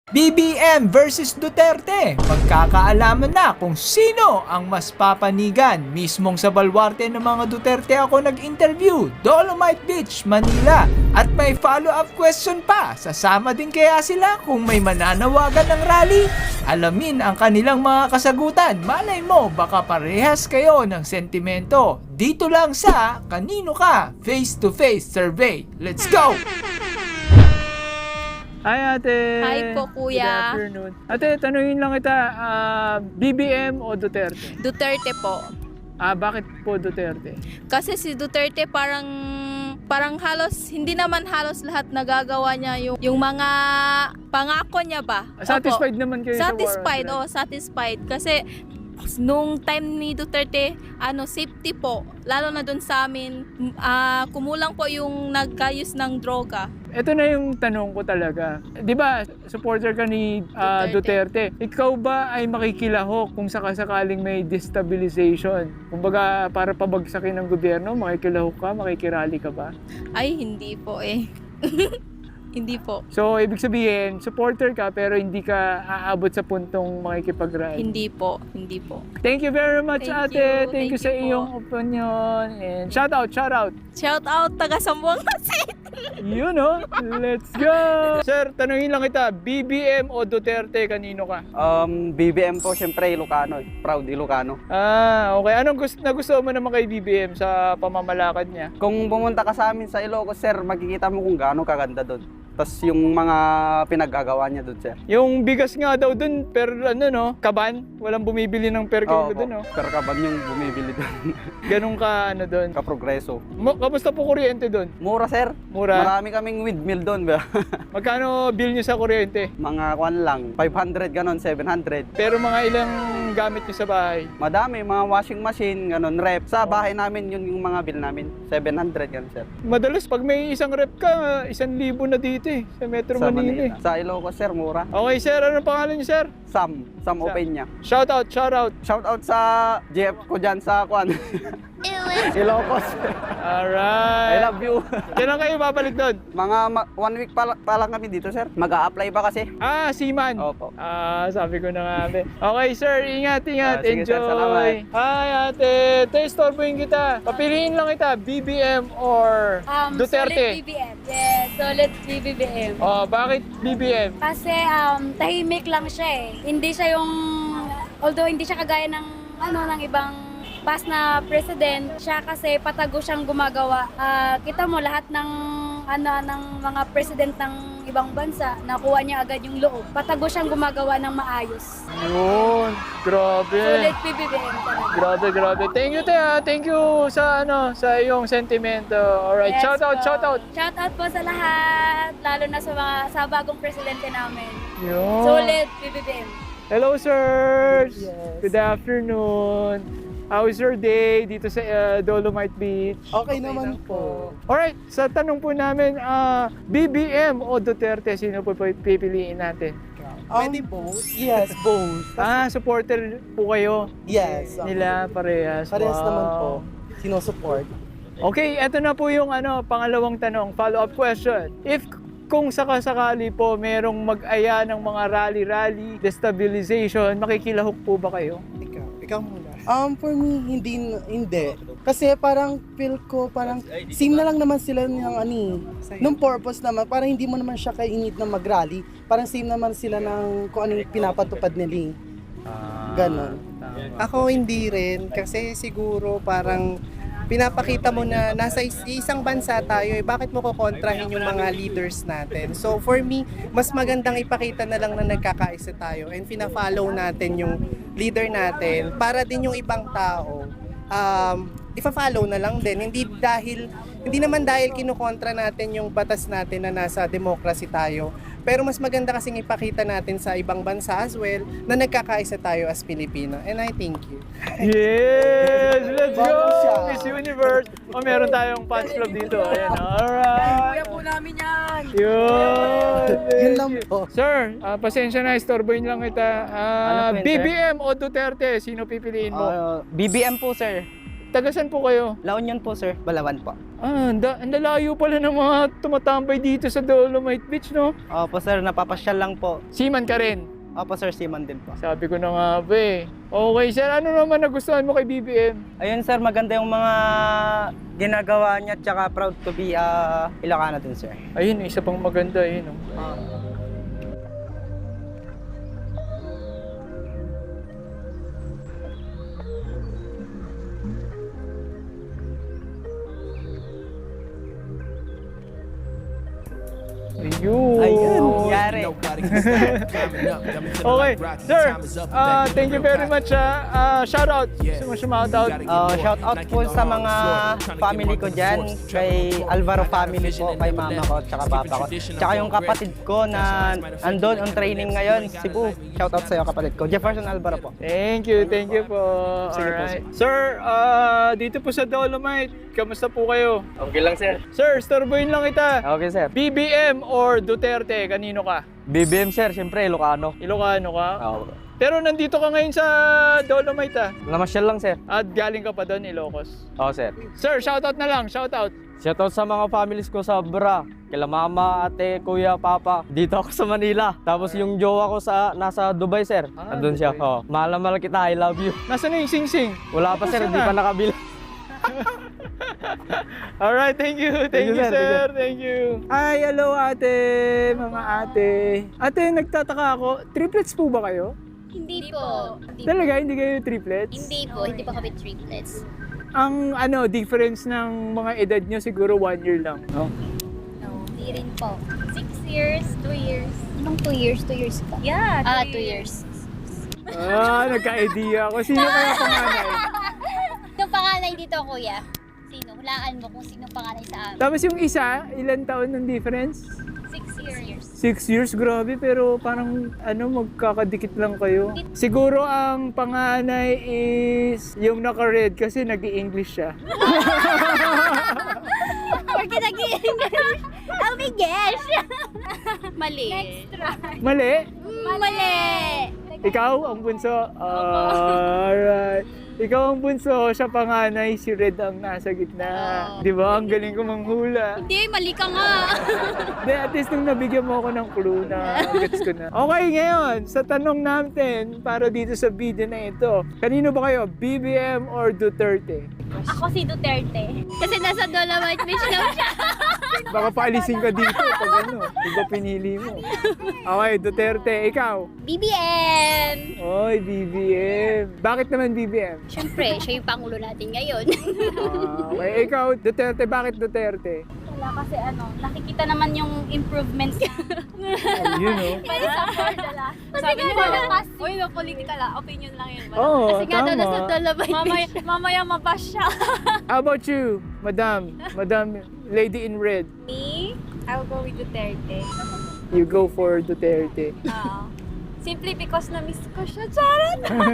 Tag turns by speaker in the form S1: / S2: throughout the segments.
S1: BBM versus Duterte. Magkakaalaman na kung sino ang mas papanigan. Mismong sa balwarte ng mga Duterte ako nag-interview. Dolomite Beach, Manila. At may follow-up question pa. Sasama din kaya sila kung may mananawagan ng rally? Alamin ang kanilang mga kasagutan. Malay mo, baka parehas kayo ng sentimento. Dito lang sa Kanino Ka? Face-to-face survey. Let's go! Hi ate!
S2: Hi po, kuya.
S1: Good afternoon. Ate, tanungin lang kita, BBM o Duterte?
S2: Duterte po.
S1: Bakit po Duterte?
S2: Kasi si Duterte parang halos, hindi naman halos lahat nagagawa niya yung mga pangako niya ba?
S1: Satisfied naman kayo
S2: Satisfied,
S1: sa war on drugs?
S2: satisfied. Kasi nung time ni Duterte, safety po. Lalo na dun sa amin, kumulang po yung nagkayos ng droga.
S1: Ito na yung tanong ko talaga. Di ba, supporter ka ni Duterte. Ikaw ba ay makikilahok kung sakasakaling may destabilization? Kumbaga, para pabagsakin ng gobyerno, makikilahok ka, makikirally ka ba?
S2: Ay, hindi po eh. Hindi po.
S1: So, ibig sabihin, supporter ka pero hindi ka aabot sa puntong makikipag-rally?
S2: Hindi po. Hindi po.
S1: Thank you very much,
S2: Thank
S1: ate.
S2: you.
S1: Thank you
S2: Thank
S1: sa
S2: you po.
S1: iyong opinion. And shout out, shout out.
S2: Shout out, taga Sambuanga City.
S1: Yun, oh. Let's go. Sir, tanungin lang kita, BBM o Duterte, kanino ka?
S3: BBM po, syempre Ilocano. Proud Ilocano.
S1: Okay. Anong gusto mo naman kay BBM sa pamamalakad niya?
S3: Kung pumunta ka sa amin sa Ilocos, sir, makikita mo kung gaano kaganda doon. Tapos yung mga pinaggagawa niya doon, sir.
S1: Yung bigas nga daw dun, pero kaban? Walang bumibili ng per kilo dun, no?
S3: Pero kaban yung bumibili doon.
S1: Ganun ka, dun.
S3: Kaprogreso.
S1: Kamusta po kuryente dun?
S3: Mura, sir.
S1: Mura?
S3: Marami kaming windmill doon. Ba?
S1: Magkano bill nyo sa kuryente?
S3: Mga kwan lang, 500 ganon, 700.
S1: Pero mga ilang gamit nyo sa bahay?
S3: Madami, mga washing machine, ganon, rep. Sa bahay namin, yun yung mga bill namin. 700 ganon, sir.
S1: Madalas pag may isang rep ka, 1,000 na dito sa Metro
S3: Sa
S1: Manila.
S3: Sa Ilocos, sir, mura.
S1: Okay sir, anong pangalan niyo sir?
S3: Sam Opeña.
S1: Shout out, shout out.
S3: Shout out sa GF ko dyan sa kwan. Ilocos. I
S1: Alright.
S3: love you.
S1: Kailan kayo babalik doon?
S3: Mga 1 week pa lang kami dito, sir. Mag-a-apply pa kasi.
S1: Seaman.
S3: Opo.
S1: Sabi ko na nga. Okay sir, ingat.
S3: Sige,
S1: Enjoy.
S3: sir, salamat.
S1: Hi ate, testorbohin kita. Papiliin lang kita, BBM or Duterte?
S4: Solid BBM. Yes, solid BBM.
S1: Bakit BBM?
S4: Kasi tahimik lang siya eh. Hindi siya yung, although hindi siya kagaya ng ng ibang past na president, siya kasi patago siyang gumagawa. Kita mo lahat ng ng mga president ng ibang bansa, nakuha niya agad yung loob. Patago siyang gumagawa ng maayos.
S1: Yun, grabe.
S4: Solid BBM talaga.
S1: Grabe. Thank you, Tea. Thank you sa sa iyong sentimento. Alright,
S4: Yes,
S1: shout out.
S4: Shout out po sa lahat, lalo na sa bagong presidente namin.
S1: Yun.
S4: Solid BBM.
S1: Hello, sirs.
S5: Yes.
S1: Good afternoon. How is your day dito sa Dolomite Beach?
S5: Okay naman po.
S1: Alright, sa tanong po namin, BBM o Duterte, sino po pipiliin natin?
S5: Pwede both? Yes, both.
S1: Supporter po kayo
S5: Yes.
S1: nila parehas.
S5: Parehas
S1: Wow.
S5: naman po. Sinusupport.
S1: Okay, eto na po yung pangalawang tanong, follow-up question. Kung sakasakali po merong mag-aya ng mga rally-rally, destabilization, makikilahok po ba kayo?
S5: Ikaw muna. For me, hindi. Kasi parang feel ko, parang same na lang naman sila nung purpose naman. Parang hindi mo naman siya kainit na mag-rally. Parang same naman sila ng kung anong pinapatupad nila. Ganon.
S6: Ako hindi rin kasi siguro parang pinapakita mo na nasa isang bansa tayo bakit mo kukontrahin yung mga leaders natin. So for me, mas magandang ipakita na lang na nagkakaisa tayo and pina-follow natin yung leader natin para din yung ibang tao ifa-follow na lang din. Hindi naman dahil kinukontra natin yung batas natin na nasa democracy tayo. Pero mas maganda kasing ipakita natin sa ibang bansa as well na nagkakaisa tayo as Pilipino. And I thank you.
S1: Yes! Let's go!
S5: Bago siya.
S1: Miss Universe! Meron tayong fans club dito. Ayan, alright!
S4: Kuya po namin yan!
S1: Yun!
S5: Yun lang po.
S1: Sir, pasensya na, istorbohin lang kita.
S3: Ano po yun, sir?
S1: BBM o Duterte, sino pipiliin mo?
S3: BBM po, sir.
S1: Tagasan po kayo?
S3: La Union po, sir. Balawan po.
S1: Ang lalayo pala ng mga tumatambay dito sa Dolomite Beach, no?
S3: Opo sir, napapasyal lang po.
S1: Seaman ka rin.
S3: Opo sir, seaman din po.
S1: Sabi ko na nga ba eh. Okay, sir. Ano naman nagustuhan mo kay BBM?
S3: Ayun sir, maganda yung mga ginagawa niya, tsaka proud to be Ilocano din sir.
S1: Ayun, isa pang maganda eh. No? Ayun.
S3: Ayun, yari.
S1: Okay, sir. Thank you very much. Shout out. Shout out.
S3: Shout out po sa mga family ko dyan, kay Alvaro family po, kay mama ko, tsaka papa ko. Tsaka yung kapatid ko na andon on training ngayon, Cebu. Shout out sa'yo kapatid ko, Jefferson Alvaro po.
S1: Thank you po.
S3: Sige po,
S1: Alright. Sir, dito po sa Dolomite, kamusta po kayo?
S3: Okay lang sir.
S1: Sir, storboyin lang kita.
S3: Okay sir.
S1: BBM or Duterte, kanino ka?
S3: BBM sir, siyempre Ilocano.
S1: Ilocano ka? Pero nandito ka ngayon sa Dolomite
S3: Namasyal lang sir.
S1: At galing ka pa doon, Ilocos.
S3: Oo sir.
S1: Sir, shoutout na lang, shoutout.
S3: Shoutout sa mga families ko sa Bra, kila mama, ate, kuya, papa. Dito ako sa Manila. Tapos yung jowa ko nasa Dubai sir. Andun siya.
S1: Dubai.
S3: Mahal na mahal kita, I love you.
S1: Nasaan na yung sing-sing?
S3: Wala pa sir, hindi pa nakabili.
S1: Alright, thank you. Thank you, sir. Thank you. Ay, hello ate, mga ate. Ate, nagtataka ako, triplets po ba kayo?
S7: Hindi po.
S1: Talaga, hindi kayo triplets?
S7: Hindi po. Hindi po kami triplets.
S1: Ang difference ng mga edad nyo siguro 1 year lang, no?
S7: No, hindi rin po. 6 years, 2 years. Anong 2 years? 2 years ka?
S2: Yeah,
S7: 2 years.
S1: Nagka-idea ako. Sino kaya panganay?
S7: Yung panganay dito, kuya. Sino? Hulaan mo kung sino panganay sa amin.
S1: Tapos yung isa, ilan taon ng difference?
S7: 6 years.
S1: 6 years, grabe, pero parang magkakadikit lang kayo. Siguro ang panganay is yung naka-red kasi nag-i-English siya.
S7: Porque nag-i-English. Oh my gosh! Mali.
S1: Mali?
S7: Mali!
S1: Ikaw ang bunso? Alright. Ikaw ang bunso, siya panganay, si Red ang nasa gitna. Di ba? Ang galing ko manghula.
S7: Hindi, mali ka nga.
S1: Di, at least nung nabigyan mo ako ng clue na gets ko na. Okay, ngayon, sa tanong natin para dito sa video na ito, kanino ba kayo? BBM or Duterte?
S7: Ako si Duterte. Kasi nasa Dolomite Beach lang siya.
S1: Baka paalisin ka dito pag iba pinili mo. Okay, Duterte, ikaw?
S7: BBM!
S1: Oy, BBM. Bakit naman BBM?
S7: Siyempre, siya yung pangulo natin ngayon.
S1: Okay, ikaw, Duterte, bakit Duterte?
S4: Wala kasi nakikita naman yung improvements niya.
S1: Ayun, oh.
S4: Pwede sa board ala. Sabi niyo uy, no, political opinion lang yun.
S1: Oo,
S7: Kasi nga daw nasa
S1: tama.
S7: Dolomite.
S4: Mamaya mabash siya.
S1: How about you, Madam Lady in Red?
S4: Me, I'll go with Duterte.
S1: You go for Duterte.
S4: Simply because na-miss ko siya. Charot!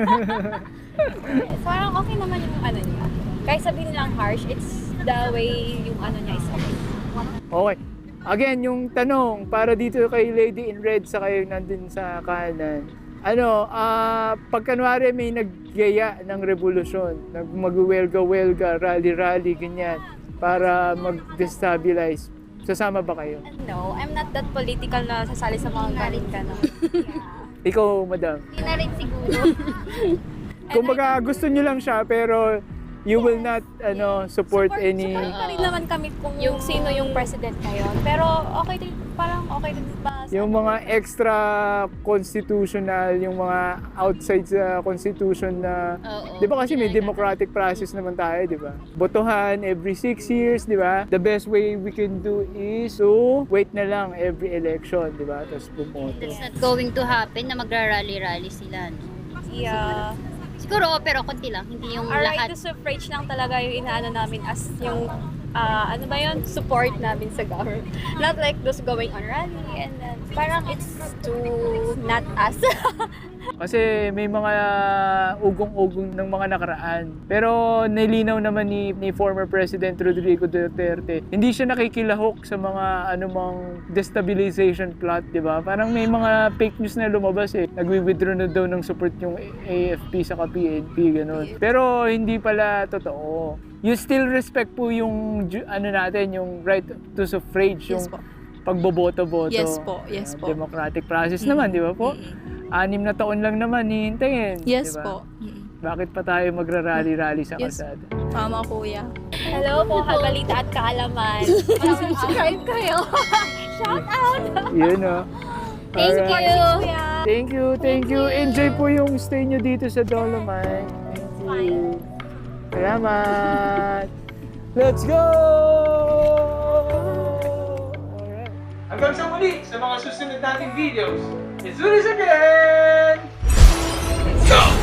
S4: Parang okay naman yung niya. Kahit sabihin nilang harsh, it's the way yung niya is okay.
S1: Okay. Again, yung tanong para dito kay Lady in Red sa kayo nandun sa kanan. Pag kanwari may naggaya ng revolusyon, mag-welga-welga, rally-rally, ganyan, para mag-destabilize, sasama ba kayo?
S4: No, I'm not that political na sasali sa mga galing ka na.
S1: Ikaw, Madam.
S7: Hindi na rin siguro.
S1: Kumbaga, gusto nyo lang siya, pero you will not support any...
S4: Support pa rin naman kami kung yung sino yung president ngayon. Pero okay din, parang okay din ba?
S1: Yung mga extra constitutional, yung mga outside sa constitution na...
S7: Oo.
S1: Di ba kasi may democratic process naman tayo, di ba? Botohan every 6 years, di ba? The best way we can do is to wait na lang every election, di ba? Tapos bumoto.
S7: That's not going to happen na magra-rally-rally sila. No?
S4: Yeah.
S7: Siguro, pero konti lang. Hindi yung
S4: Our right
S7: lahat.
S4: to suffrage lang talaga yung inaano namin as yung support namin sa government. Not like those going on rally and then parang it's to not us.
S1: Kasi may mga ugong-ugong ng mga nakaraan. Pero nilinaw naman ni former President Rodrigo Duterte, hindi siya nakikilahok sa mga anumang destabilization plot, di ba? Parang may mga fake news na lumabas eh. Nagwi-withdraw na daw ng support yung AFP sa PNP, ganun. Pero hindi pala totoo. you still respect po yung ano natin, yung right to suffrage, yung
S2: Yes po.
S1: pagboboto-boto.
S2: Yes po, yes po.
S1: Democratic process naman, di ba po? 6 na taon lang naman hihintayin.
S2: Yes
S1: di ba?
S2: po.
S1: Bakit pa tayo magrarally-rally sa
S2: Yes.
S1: kalsada?
S2: Tama kuya.
S7: Hello po, Habalita at Kaalaman. Subscribe kayo. Shout out!
S1: Yun o.
S7: Thank you.
S1: Thank you, thank you. Enjoy po yung stay nyo dito sa Dolomite. Thank you. Salamat. Let's go! Alright. Hanggang sa muli sa mga susunod nating videos. It's Zulis again! Let's go!